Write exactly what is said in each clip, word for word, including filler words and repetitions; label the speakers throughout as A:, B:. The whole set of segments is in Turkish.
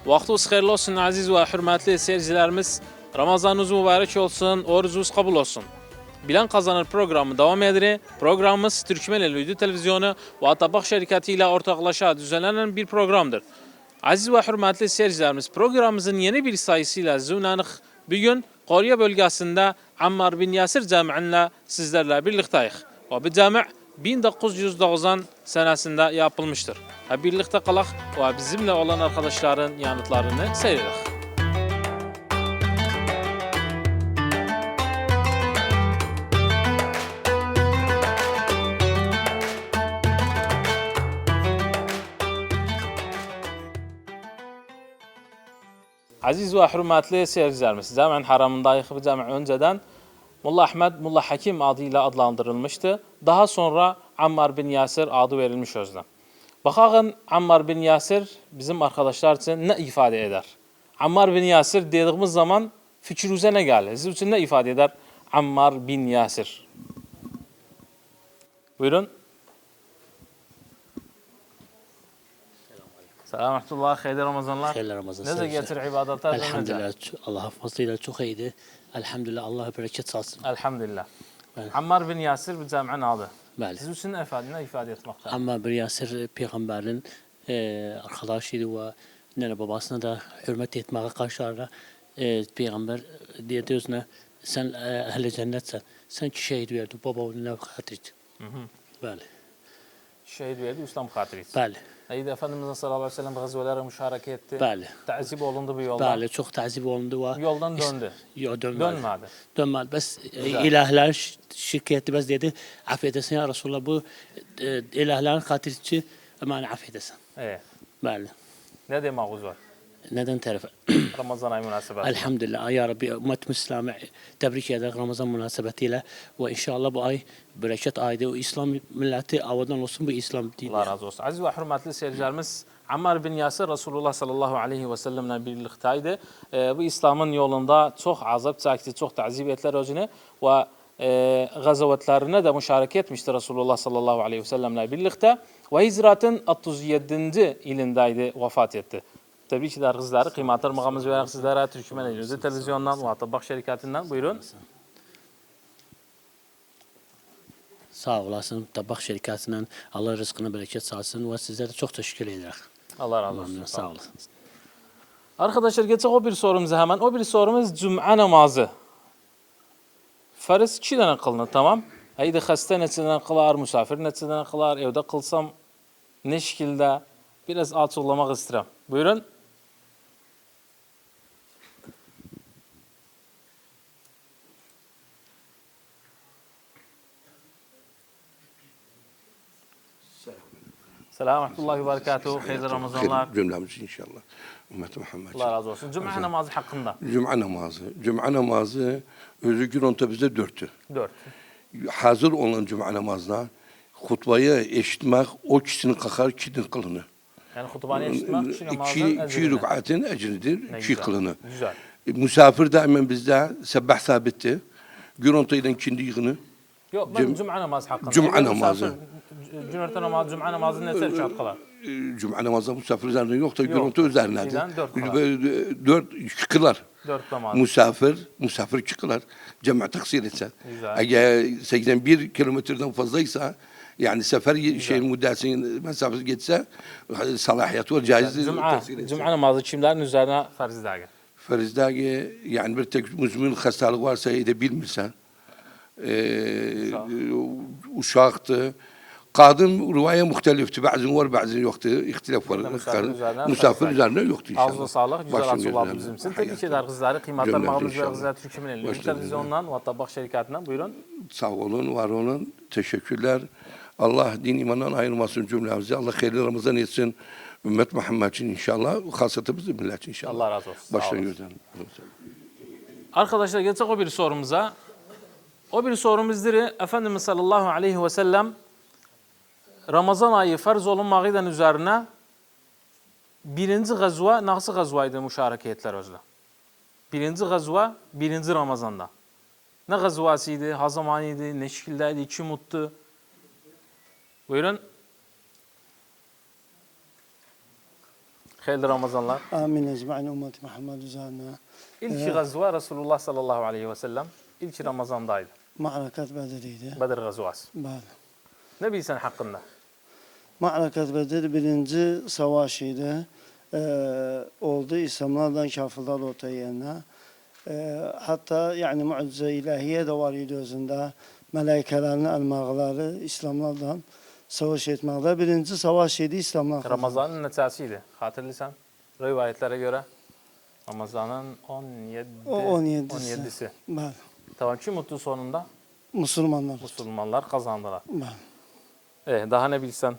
A: Vaxtınız xeyirli olsun aziz ve hürmetli seyircilerimiz. Ramazanınız mübarek olsun, orucunuz kabul olsun. Bilen Kazanır programı devam edir. Programımız Türkmeneli Uydu Televizyonu ve Atabak Şirketi ile ortaklaşa düzenlenen bir programdır. Aziz ve hürmetli seyircilerimiz, programımızın yeni bir sayısıyla zünanık bugün Koriye bölgesinde Ammar bin Yasir Camii'nle sizlerle birlikteyiz. Ve bu cami bin dokuz yüz doksan senesinde yapılmıştır. Hep birlikte kalak ve bizimle olan arkadaşların yanıtlarını seyredelim. Aziz ve hürmetli seyircilerimiz, cami'nin haramındayız. Bu cami önceden Molla Ahmed, Molla Hakim adıyla adlandırılmıştı. Daha sonra Ammar bin Yasir adı verilmiş özden. Bakın Ammar bin Yasir bizim arkadaşlar için ne ifade eder? Ammar bin Yasir dediğimiz zaman fikrinize ne gelir? Sizin için ne ifade eder Ammar bin Yasir? Buyurun. Selamünaleyküm. Hayırlı Ramazanlar.
B: Hayırlı Ramazanlar.
A: Ne getir ibadetler?
B: Elhamdülillah. Allah'a fazlıyla çok iyiydi. Elhamdülillah. Allah'a bereket salsın.
A: Elhamdülillah.
B: Evet.
A: Ammar bin Yasir bu cami'nin adı.
B: Bəli.
A: Siz için ne ifade, ne ifade etmekte?
B: Ammar bin Yasir peygamberin e, arkadaşıydı ve nene babasına da hürmet etmeye karşılarına e, peygamber dedi özüne sen e, ehl-i cennetsen. Sen ki şehit verdin baba oğluna ne hatırıydı. Bəli.
A: Şehit verdi, İslam hatırıydı.
B: Bəli.
A: Eydi Efendimiz sallallahu aleyhi ve sellem gazvelere müşareke etti.
B: Bəli.
A: Təzib olundu bu yoldan.
B: Bəli. Çok tazip olundu ve
A: Yoldan döndü.
B: Yok dönmedi.
A: Dönmedi.
B: Dönmedi. Bes ilahlar şirketi bes dedi affedesin ya Resulallah bu e, ilahların katilçi aman affedesin.
A: Evet.
B: Bəli.
A: Ne demağınız var?
B: Neden tarafa?
A: Ramazan ayı münasebeti.
B: Elhamdülillah ya Rabbi ümmet Müslümanı tebrik eder Ramazan münasebetiyle ve inşallah bu ay bereket aydı. O İslam milleti avadan olsun bu İslam dini.
A: Allah razı olsun. Aziz ve hürmetli seyircilerimiz, Ammar bin Yasir Resulullah sallallahu aleyhi ve sellemle birlikteydi. Ee, bu İslam'ın yolunda çok azap çekti, çok tazip ettiler özünü ve e, gazavetlerine de müşareke etmişti Resulullah sallallahu aleyhi ve sellemle birlikte ve hicratın otuz yedinci ilindeydi, vefat etti. Tebrik eder kızları. Kıymetli mağamız veren sizlere Türkmeneli Uydu Televizyondan ve Atabak Şirketi'nden buyurun.
B: Sağ olasın. Tabak şirketinden Allah rızkını bereket sağlasın ve sizlere çok teşekkür ederim.
A: Allah razı olsun.
B: Sağ olasın.
A: Arkadaşlar geçelim o bir sorumuza hemen. O bir sorumuz Cuma namazı. Farz iki tane kılınır, tamam. Haydi hasta neçeden kılar, misafir neçeden kılar, evde kılsam ne şekilde biraz açıklamak istedim. Buyurun. Selamun ve berekatuhu. Hayırlı Ramazanlar.
C: Cümlemiz inşallah. Ümmet Muhammed.
A: Allah razı olsun. Cuma namazı hakkında.
C: Cuma namazı. Cuma namazı özü gün onta bizde dörttü.
A: Dört.
C: Hazır olan cuma namazına hutbayı eşitmek o kişinin kakar kişinin kılını.
A: Yani hutbanı eşitmek kişi namazın
C: İki, iki
A: ecrini.
C: rükatın ecridir,
A: Ne
C: iki
A: güzel.
C: kılını.
A: Güzel.
C: Misafir daima bizde sebbah sabitti. Gün onta ile ikindi yığını.
A: Yok ben cuma namazı hakkında.
C: Cuma
A: Evde
C: namazı.
A: misafir, Cumhuriyet namazı, cuma namazı ne rekat kılar?
C: Cuma namazı misafir üzerine yok da gün
A: Yok.
C: onta üzerine.
A: Şeyden dört kılar.
C: Dört kılar.
A: Dört namaz.
C: Misafir, misafir çıkılar. Cemaat taksir etse.
A: Güzel.
C: Eğer seksen bir kilometreden fazlaysa yani sefer şey müddetinin mesafesi geçse salahiyet var, caiz
A: Cuma,
C: taksir etse.
A: cuma namazı kimlerin üzerine farz edildi?
C: Farizdagi yani bir tek müzmin hastalık varsa edebilmirsen e, uşaktı. Kadın rivaya muhtelifti. Bazı var, bazı yoktu. İhtilaf var.
A: Misafir üzerine
C: Misafir üzerine yoktu inşallah.
A: Ağzına sağlık, güzel
C: Başın
A: açıklar
C: gözlerine.
A: bizim için.
C: Hayat.
A: Tebrik eder kızları. Kıymetli
C: Cümlemiz
A: mağamız ve
C: inşallah.
A: kızlar Türkmeneli Uydu
C: Başlarınız.
A: Televizyondan ve Atabak Şirketi'nden buyurun.
C: Sağ olun, var olun. Teşekkürler. Allah din imandan ayırmasın cümlemizi. Allah hayırlı Ramazan etsin. Ümmet Muhammed için inşallah. Hasatı bizim millet için inşallah.
A: Allah razı olsun. Sağ
C: Baştan
A: olun.
C: gözden.
A: Arkadaşlar geçelim o bir sorumuza. O bir sorumuzdur. Efendimiz sallallahu aleyhi ve sellem Ramazan ayı farz olunmağıyla üzerine birinci gazva nasıl gazvaydı müşareke ettiler özle? Birinci gazva birinci Ramazan'da. Ne gazvasıydı, ha zamanıydı, ne şekildeydi, kim muttu? Buyurun. Hayırlı Ramazanlar.
D: Amin ecmaîn ümmeti Muhammed üzerine.
A: İlk gazva Resulullah sallallahu aleyhi ve sellem ilk Ramazan'daydı.
D: Ma'rakat Bedir'iydi.
A: Bedir gazvası.
D: Bəli.
A: Ne bilsen hakkında?
D: Ma'rakat Bedir birinci savaşıydı. Ee, oldu İslamlardan kafirler ortaya yerine. Ee, hatta yani mucize ilahiye de var idi özünde. Meleikelerin elmağları İslamlardan savaş etmekte. Birinci savaş idi İslamlar.
A: Ramazan'ın neçəsiydi? Hatırlıysan? Rivayetlere göre Ramazan'ın on yedi,
D: O on yedisi.
A: on yedisi.
D: Bəli.
A: Tamam, kim mutlu sonunda?
D: Müslümanlar.
A: Müslümanlar kazandılar.
D: Bəli.
A: E, daha ne bilsen?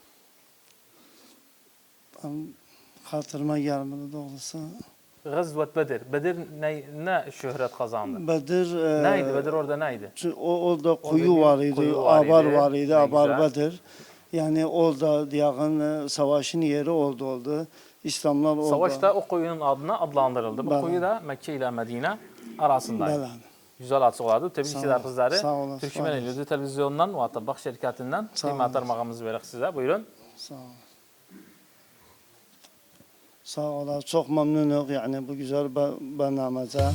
D: Ben hatırıma gelmedi doğrusu.
A: Gazvet Bedir. Bedir ne, ne şöhret kazandı?
D: Bedir e,
A: Neydi? Bedir orada neydi?
D: Çünkü O orada kuyu
A: bir
D: var idi,
A: kuyu var
D: abar
A: idi.
D: var idi,
A: Ne
D: abar
A: güzel.
D: Bedir. Yani orada diyağın e, savaşın yeri oldu oldu. İslamlar orada.
A: Savaşta o kuyunun adına adlandırıldı. Bu
D: Bəli.
A: kuyu da Mekke ile Medine arasındaydı.
D: Bəli.
A: Güzel adı olardı. Tebrik
D: Sağ
A: eder
D: olun.
A: kızları.
D: Sağ olun, sağ
A: Türkmen
D: olun.
A: Elüzü Televizyonundan ve Atabak şirketinden
D: Sağ
A: kıymetli
D: olun.
A: armağanımızı veririz size. Buyurun.
D: Sağ olun. Sağ olun. Çok memnunum yani bu güzel barnamece.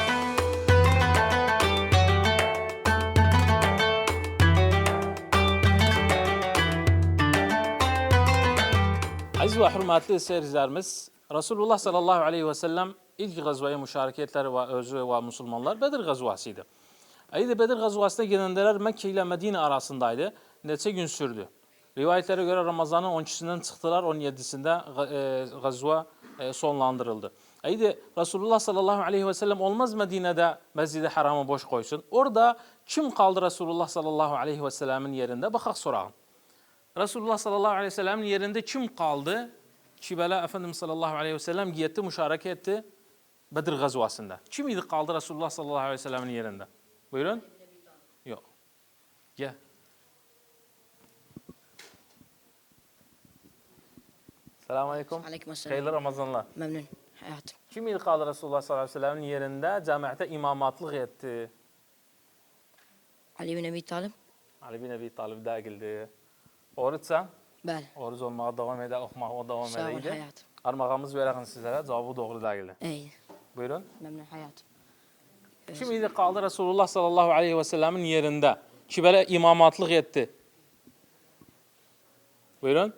A: Aziz ve hürmetli seyircilerimiz, Resulullah sallallahu aleyhi ve sellem ilk gazvaya müşareketleri ve özü ve Müslümanlar Bedir gazvasıydı. Ayda Bedir gazvasına gelenler Mekke ile Medine arasındaydı. Neçe gün sürdü. Rivayetlere göre Ramazan'ın on ikisinden çıktılar, on yedisinde e, gazva e, sonlandırıldı. Ayda Resulullah sallallahu aleyhi ve sellem olmaz Medine'de Mescid-i Haram'ı boş koysun. Orada kim kaldı Resulullah sallallahu aleyhi ve sellemin yerinde? Bakak sorağın. Resulullah sallallahu aleyhi ve sellem'in yerinde kim kaldı? Ki belə Efendimiz sallallahu aleyhi ve sellem giyetti, müşareke etti Bedir gazvasında. Kim idi kaldı Resulullah sallallahu aleyhi ve sellem'in yerinde? Buyurun. Yok. Gel. Selamun aleyküm.
E: Aleykümselam.
A: Hayırlı Ramazanlar.
E: Memnun hayatım.
A: Kim idi kaldı Resulullah sallallahu aleyhi ve sellem'in yerinde cemaate imamatlık etti?
E: Ali bin Ebi Talib.
A: Ali bin Ebi Talib değildi. Oruçsan?
E: Bəli.
A: Oruç olmağa devam eder, okumağa devam
E: Sağ ol
A: edeydi.
E: hayatım.
A: Armağanımız verelim sizlere. Cevabı doğru değildi.
E: İyi.
A: Buyurun.
E: Memnun hayatım.
A: Kim idi kaldı Resulullah sallallahu aleyhi ve sellemin yerinde? Ki böyle imamatlık etti. Buyurun.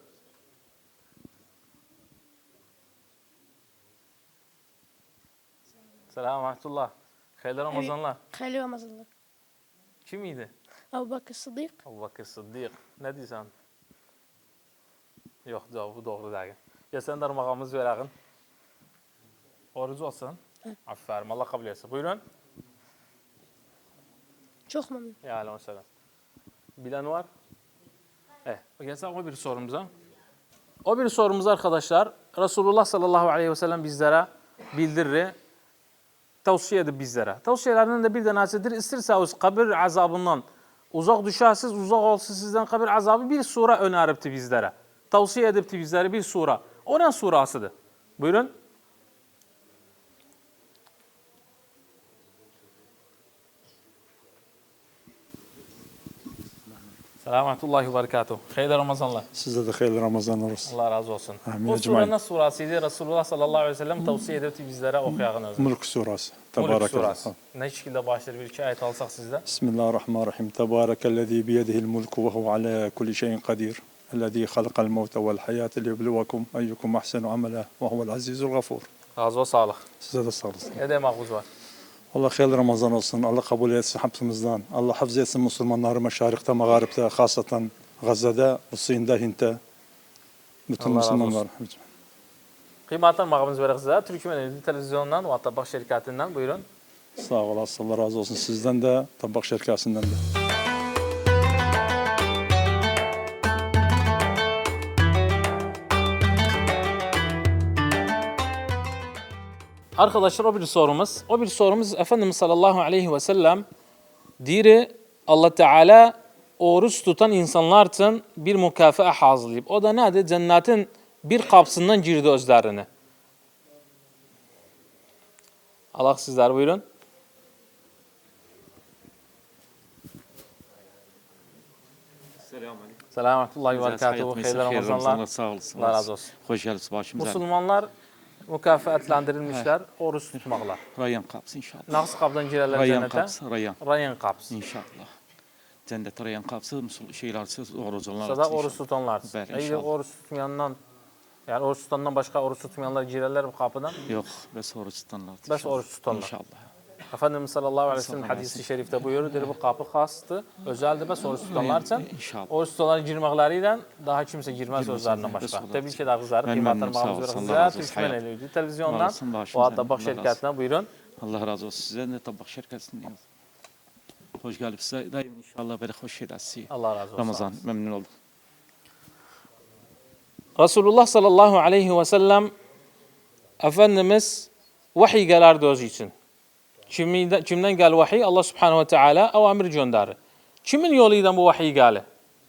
A: Selamun aleyküm. Hayırlı Ramazanlar.
F: Hayırlı Ramazanlar.
A: Kim idi?
F: Ebu Bakır Sıddık.
A: Ebu Bakır Sıddık. Ne diyorsun? Yok, cevabı doğru değil. Ya sen de armağanımız verelim. Oruç olsun. Aferin. Allah kabul etsin. Buyurun.
F: Çok memnun.
A: Ya aleyhi selam. Bilen var? Evet. Gelsen o bir sorumuza. O bir sorumuz arkadaşlar. Resulullah sallallahu aleyhi ve sellem bizlere bildirir. Tavsiye edip bizlere. Tavsiyelerinden de bir tanesidir. İstirseniz kabir azabından uzak düşersiniz, uzak olsun sizden kabir azabı bir sure öneripti bizlere. Tavsiye edipti bizlere bir sure. O ne surasıdır? Buyurun. Selametullahi ve berekatuhu. Hayırlı Ramazanlar.
G: Size de hayırlı Ramazanlar olsun.
A: Allah razı olsun.
G: Amin
A: O
G: ecmaîn.
A: sure ne surasıydı? Resulullah sallallahu aleyhi ve sellem tavsiye edipti bizlere okuyağın özü.
G: Mulk surası.
A: Mulk
G: Tebarek
A: surası. Ne şekilde başlar bir iki ayet alsak sizden?
G: Bismillahirrahmanirrahim. Tebarekellezî biyedihil mulku ve huve alâ kulli şeyin kadir. Ellezî halakal mevte vel hayâte liyebluvakum eyyukum ahsenu amela ve huvel azîzul gafur.
A: Razı ol, sağlık.
G: Size de sağ olasın.
A: Ne demek var?
G: Allah hayırlı Ramazan olsun. Allah kabul etsin hepimizden. Allah hafız etsin Müslümanları meşarikte, mağaripte, hasaten Gazze'de, Hüseyin'de, Hint'te. Bütün
A: Allah razı
G: Müslümanlar.
A: Kıymetli armağanımız verir size. Türkmen Elüzü Televizyonundan ve Atabak şirketinden buyurun.
G: Sağ olasın. Allah razı olsun. Sizden de, Tabak şirketinden de.
A: Arkadaşlar o bir sorumuz. O bir sorumuz Efendimiz sallallahu aleyhi ve sellem diri Allah Teala oruç tutan insanlar için bir mükafaa hazırlayıp. O da nedir? Cennetin bir kapısından girdi özlerine. Allah sizler buyurun. Selametullahi ve berekatuhu. Hayırlı Ramazanlar.
H: Sağ olasın.
A: Allah razı olsun.
H: Hoş geldiniz başımıza.
A: Müslümanlar mükafatlandırılmışlar oruç tutmakla.
H: Rayyan kapsın inşallah.
A: Nasıl kapdan girerler
H: Rayyan
A: cennete?
H: kapsın, Rayyan.
A: Rayyan kapsın.
H: İnşallah. Cennet Rayyan kapsın, şeylersiz oruçlar.
A: Sada oruç tutanlar.
H: Bəli,
A: İyi
H: inşallah.
A: oruç tutmayandan, yani oruç tutandan başka oruç tutmayanlar girerler bu kapıdan.
H: Yok, bes oruç tutanlar.
A: Bes oruç tutanlar.
H: İnşallah.
A: Efendimiz sallallahu aleyhi ve sellem
H: Sallallahu
A: hadisi şerifte buyuruyor. Dedi bu kapı hastı. Özeldi bes oruç tutanlar için.
H: İnşallah.
A: Oruç tutanlar girmekleriyle daha kimse girmez özlerinden başka.
H: Bes
A: Tebrik eder kızları.
H: Ben
A: Kıymetli
H: memnunum, sağ
A: bağımız
H: olasın.
A: ve
H: Allah razı olsun.
A: Türkmen
H: Hayat.
A: Eylülü televizyondan
H: Olasın, başımıza.
A: o Atabak
H: Allah razı
A: şirketine buyurun.
H: Allah razı olsun. Size de tabak şirketindeyim. Hoş geldiniz. Size daim inşallah böyle hoş geldiniz.
A: Allah razı olsun.
H: Ramazan memnun oldum.
A: Resulullah sallallahu aleyhi ve sellem Efendimiz vahiy gelerdi özü için. Kimden, kimden gel vahiy? Allah subhanahu ve teala avamir gönderir. Kimin yoluyla bu vahiy geldi?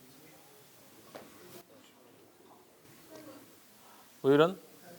A: Buyurun.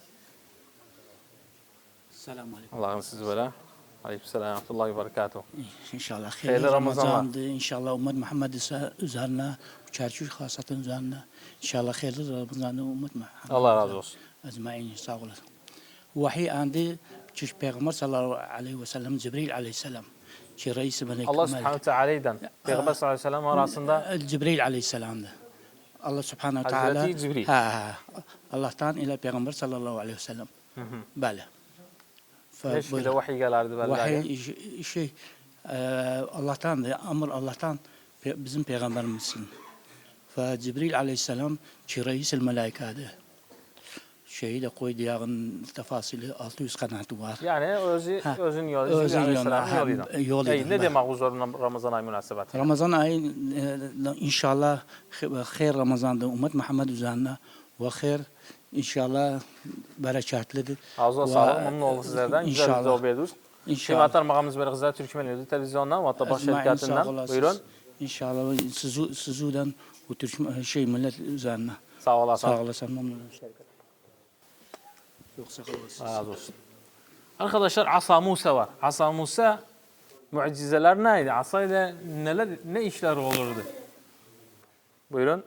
I: Selamun aleyküm.
A: Allah'ım sizi böyle. Aleykümselam. Rahmetullahi ve berekatuhu.
I: İnşallah
A: Hayırlı
I: hayırlı
A: Ramazanlar.
I: Ramazan'dı. İnşallah ümmet Muhammed ise üzerine, çerçüş hasatın üzerine. İnşallah hayırlı Ramazan'dı ümmet Muhammed.
A: Allah razı olsun.
I: Ecmaîn sağ olasın. Vahiy andi çiş Peygamber sallallahu aleyhi ve sellem Cibril aleyhisselam. Ki reis melek.
A: Allah subhanahu ve teala'dan Peygamber sallallahu aleyhi ve sellem arasında
I: Cibril aleyhisselam'dı. Allah subhanahu ve teala.
A: Hazreti Cibril.
I: Ha, ha. Allah'tan ile Peygamber sallallahu aleyhi ve sellem. Böyle.
A: leş bir de vahiy gelerdi belki.
I: Vahiy şey- şey e, Allah'tandı, amr Allah'tan pe- bizim peygamberimizsin. Ve Cibril aleyhisselam ki reis-i melaikâdı. Şeyi de koydu yağın tefasili altı yüz kanaatı var.
A: Yani özü,
I: Ha,
A: özün yolu.
I: özün
A: Cibril
I: yolu,
A: aleyhisselamın
I: ha,
A: yoluyla.
I: yoluyla,
A: Ey, ne
I: ben.
A: demek bu zorun Ramazan ayı münasebeti?
I: Ramazan ayı e, inşallah hayır Ramazan'da ümmet Muhammed üzerine ve hayır inşallah bereketlidir.
A: Ağzına
I: Ve
A: sağlık, memnun olduk sizlerden. Güzel bir
I: İnşallah.
A: sohbet ediyoruz.
I: İnşallah.
A: Kıymetli mağamız böyle kızlar Türkmen Eylülü televizyondan ve Atabak
I: Ecmaîn sağ
A: şirketinden.
I: olasınız.
A: Buyurun.
I: İnşallah sizu, sizudan bu Türk şey millet üzerine.
A: Sağ olasın.
I: Sağ olasın memnunum. Yok sağ olasın.
A: Razı olsun. Arkadaşlar Asa Musa var. Asa Musa mucizeler neydi? Asa ile neler, ne işler olurdu? Buyurun.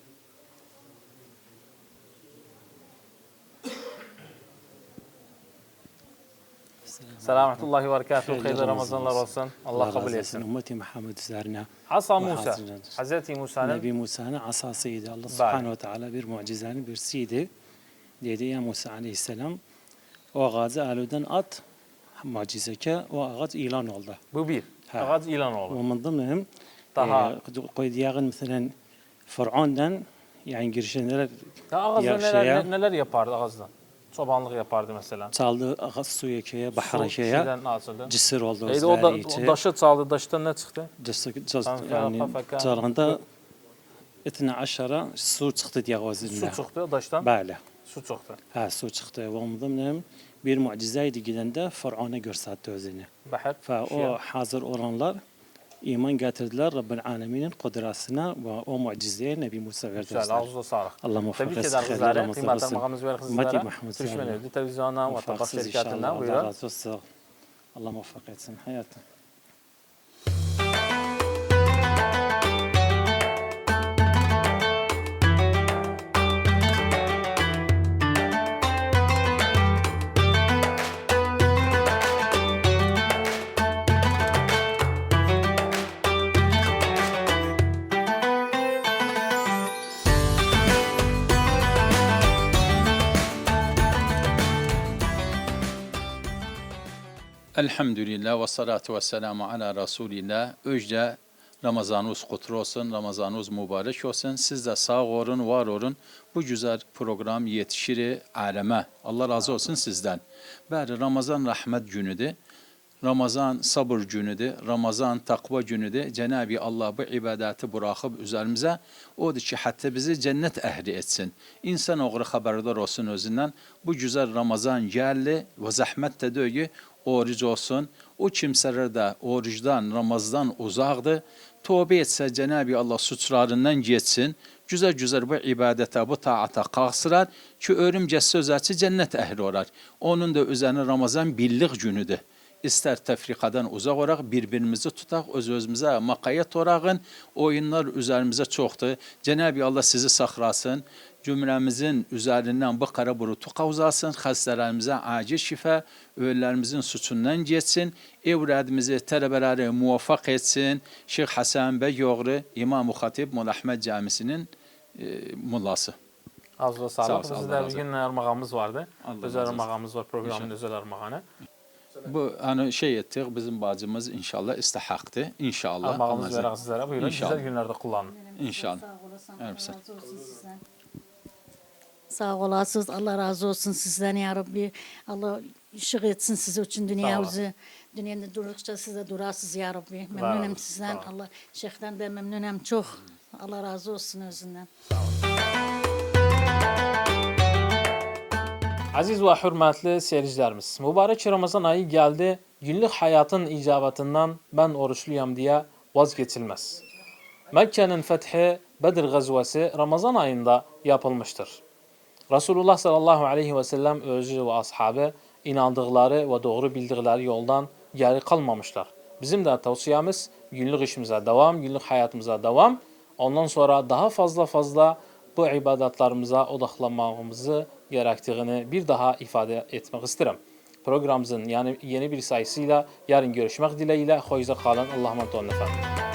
A: Selametullahi ve berekatuhu. Hayırlı Ramazanlar olsun. Allah kabul etsin.
B: Ümmeti Muhammed üzerine.
A: Asa
B: Ve
A: Musa.
B: hazırlanır.
A: Hazreti Musa'nın
B: Nebi Musa'nın asasıydı. Allah subhanahu ve teala bir mucizenin birisiydi. Dedi ya Musa aleyhisselam o ağacı aludan at mucizeke o ağaç ilan oldu.
A: bu bir.
B: Ha.
A: Ağaç ilan oldu.
B: ومن ضمنهم
A: Daha.
B: قيد ياغن مثلا فرعون'dan yani girişenler
A: Ya ağaçla
B: Yaşaya-
A: neler, neler yapardı ağaçla? Çobanlık yapardı mesela.
B: çaldı ağaç suya köye, bahara
A: Su
B: köye,
A: şeyden açıldı.
B: cisir oldu.
A: Neydi o da o daşı çaldı. Daştan ne çıktı?
B: yani
A: Fafaka.
B: çalganda اثنا عشر su çıktı diye
A: Su
B: ağzından.
A: çıktı daştan.
B: Böyle.
A: Su çıktı.
B: Ha su çıktı. ومن ضمنهم bir mucizeydi gidende Fıraun'a gösterdi özünü.
A: Bahar.
B: Fa o hazır olanlar iman getirdiler Rabbin Alemin'in kudretine ve o mucizeye Nebi Musa verdiler.
A: Güzel. Ağzına sağlık.
B: Allah muvaffak
A: Tebrik
B: etsin.
A: eder
B: hayırlı
A: kızları.
B: Ramazanlar
A: Kıymetli
B: olsun.
A: makamımız ver
B: Ümmeti
A: kızlara.
B: Muhammed
A: Türkmen
B: üzerine.
A: Eylülü televizyondan ve Tabak
B: Muvaffaksız
A: şirketinden.
B: inşallah. Allah
A: Buyurun.
B: razı olsun. Allah muvaffak etsin hayatım.
J: Elhamdülillah ve salatu ve selamu ala Resulillah. Öjde Ramazanınız kutlu olsun, Ramazanınız mübarek olsun. Siz de sağ olun, var olun. Bu güzel program yetişir aleme. Allah razı olsun sizden. Bari Ramazan rahmet günüdür. Ramazan sabır günüdür. Ramazan takva günüdür. Cenab-ı Allah bu ibadeti bırakıp üzerimize odur ki hatta bizi cennet ehli etsin. İnsan oğru haberdar olsun özünden. Bu güzel Ramazan geldi ve zahmet de diyor oruç olsun. O kimseler de oruçdan, Ramazan uzaqdır. Tövbe etse Cenab-ı Allah suçlarından geçsin. Güzel güzel bu ibadete, bu taata qalxırar ki örümcə sözəçi cennet ehli olar. Onun da üzerine Ramazan birlik günüdür. ister tefrikadan uzak olarak birbirimizi tutak, öz özümüze makayet orağın, oyunlar üzerimize çoktu. Cenab-ı Allah sizi saxlasın, cümlemizin üzerinden bu kara burutu kavzasın, hastalarımıza acil şifa, ölülerimizin suçundan geçsin, evladımızı tələbələri muvaffak etsin. Şeyh Hasan Bey Yoğru, İmam-ı Hatib Molla Ahmed Camisi'nin e, mullası.
A: Az ve
J: Sağ ol,
A: sağlık.
J: sağ ol,
A: Bizde
J: Allah
A: bir
J: razı
A: gün armağanımız vardı.
J: Allah
A: Özel
J: razı olsun.
A: armağanımız var. Programın
J: İnşallah.
A: özel armağanı.
J: Bu hani şey ettik, bizim bacımız inşallah istihaktı. İnşallah.
A: Armağanımız
J: Allah
A: veririz sizlere. Buyurun.
J: İnşallah.
A: Güzel günlerde kullanın.
J: İnşallah.
K: Allah razı olsun sizden. Sağ olasınız. Allah razı olsun sizden ya Rabbi. Allah ışık etsin sizi için dünyamızı. Dünyada durdukça siz de durasınız ya Rabbi. Memnunum sizden. Allah şeyhten de memnunum çok. Allah razı olsun özünden.
A: Aziz ve hürmetli seyircilerimiz, mübarek Ramazan ayı geldi. Günlük hayatın icabetinden ben oruçluyum diye vazgeçilmez. Mekke'nin fethi Bedir gazvesi Ramazan ayında yapılmıştır. Resulullah sallallahu aleyhi ve sellem özü ve ashabı inandıkları ve doğru bildikleri yoldan geri kalmamışlar. Bizim de tavsiyemiz günlük işimize devam, günlük hayatımıza devam. Ondan sonra daha fazla fazla bu ibadetlerimize odaklanmamızı gerektiğini bir daha ifade etmek isterim. Programımızın yani yeni bir sayısıyla yarın görüşmek dileğiyle. Hoşça kalın. Allah'a emanet olun efendim.